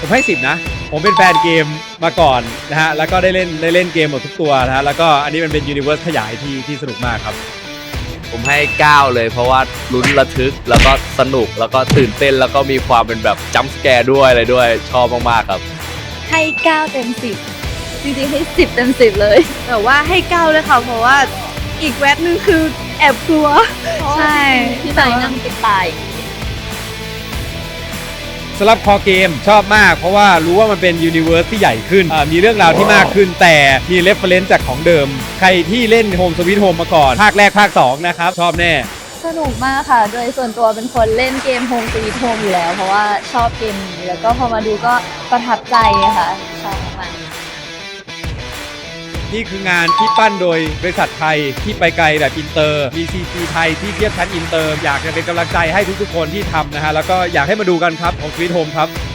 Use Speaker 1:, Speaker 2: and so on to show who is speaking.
Speaker 1: ผมให้10นะผมเป็นแฟนเกมมาก่อนนะฮะแล้วก็ได้เล่นเกมหมดทุกตัวนะฮะแล้วก็อันนี้มันเป็นยูนิเวอร์สขยายที่สนุกมากครับ
Speaker 2: ผมให้9เลยเพราะว่าลุ้นระทึกแล้วก็สนุกแล้วก็ตื่นเต้นแล้วก็มีความเป็นแบบจัมป์สแกร์ด้วยอะไรด้วยชอบมากๆครับ
Speaker 3: ให้9 เต็ม 10จริงๆให้10 เต็ม 10เลย
Speaker 4: แต่ว่าให้9เลยค่ะเพราะว่าอีกแวบนึงคือแอบกลัว
Speaker 3: ใช่ที่ไหนนั่งติดตาย
Speaker 1: สำหรับคอเกมชอบมากเพราะว่ารู้ว่ามันเป็นยูนิเวอร์สที่ใหญ่ขึ้นมีเรื่องราวที่มากขึ้นแต่มีเรฟเฟรนซ์จากของเดิมใครที่เล่น Home Sweet Home มาก่อนภาคแรกภาค2นะครับชอบแน่
Speaker 3: สนุกมากค่ะ โดยส่วนตัวเป็นคนเล่นเกม Home Sweet Home อยู่แล้ว เพราะว่าชอบเกมนี้แล้วก็พอมาดูก็ประทับใจค่ะชอบมาก
Speaker 1: นี่คืองานที่ปั้นโดยบริษัทไทยที่ไปไกลแบบอินเตอร์มี CG ไทยที่เทียบชั้นอินเตอร์อยากจะเป็นกำลังใจให้ทุกๆคนที่ทำนะฮะแล้วก็อยากให้มาดูกันครับของ Sweet Home ครับ